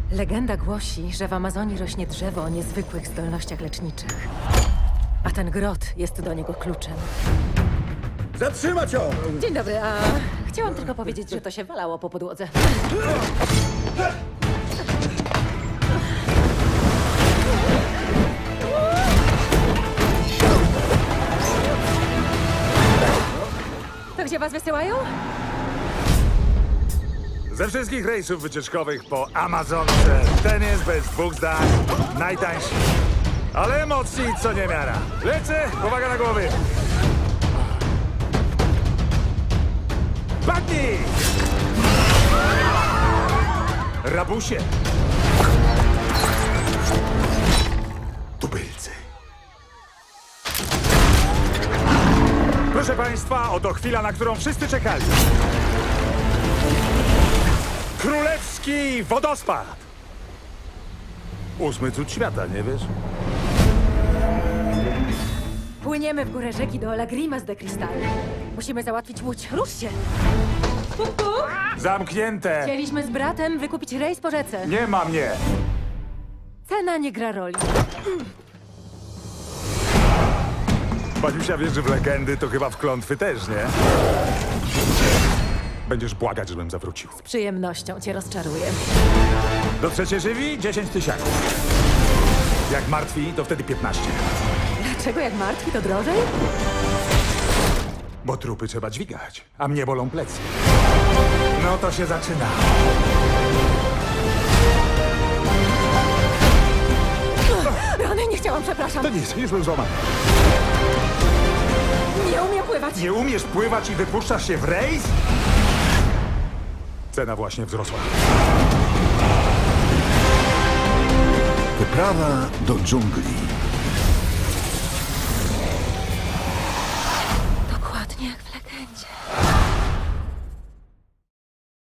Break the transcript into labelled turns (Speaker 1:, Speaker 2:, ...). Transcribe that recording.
Speaker 1: Legenda głosi, że w Amazonii rośnie drzewo o niezwykłych zdolnościach leczniczych. A ten grot jest do niego kluczem.
Speaker 2: Zatrzymać ją!
Speaker 1: Dzień dobry, a chciałam tylko powiedzieć, że to się walało po podłodze. To gdzie was wysyłają?
Speaker 3: Ze wszystkich rejsów wycieczkowych po Amazonce ten jest bez dwóch zdań najtańszy. Ale emocji co niemiara. Lecę, uwaga na głowy. Padnij! Rabusie. Tubylcy. Proszę państwa, oto chwila, na którą wszyscy czekali. Królewski wodospad! 8. cud świata, nie wiesz?
Speaker 1: Płyniemy w górę rzeki do Lagrimas de Cristal. Musimy załatwić łódź. Rusz się!
Speaker 3: Zamknięte!
Speaker 1: Chcieliśmy z bratem wykupić rejs po rzece.
Speaker 3: Nie ma mnie!
Speaker 1: Cena nie gra roli.
Speaker 3: Paniusia wierzy w legendy, to chyba w klątwy też, nie? Będziesz błagać, żebym zawrócił.
Speaker 1: Z przyjemnością cię rozczaruję.
Speaker 3: Dotrzecie żywi? 10 000. Jak martwi, to wtedy 15.
Speaker 1: Dlaczego jak martwi to drożej?
Speaker 3: Bo trupy trzeba dźwigać, a mnie bolą plecy. No to się zaczyna.
Speaker 1: Rany, nie chciałam, przepraszam.
Speaker 3: To nic, już był złamany.
Speaker 1: Nie umiem pływać.
Speaker 3: Nie umiesz pływać i wypuszczasz się w rejs? Cena właśnie wzrosła.
Speaker 2: Wyprawa do dżungli.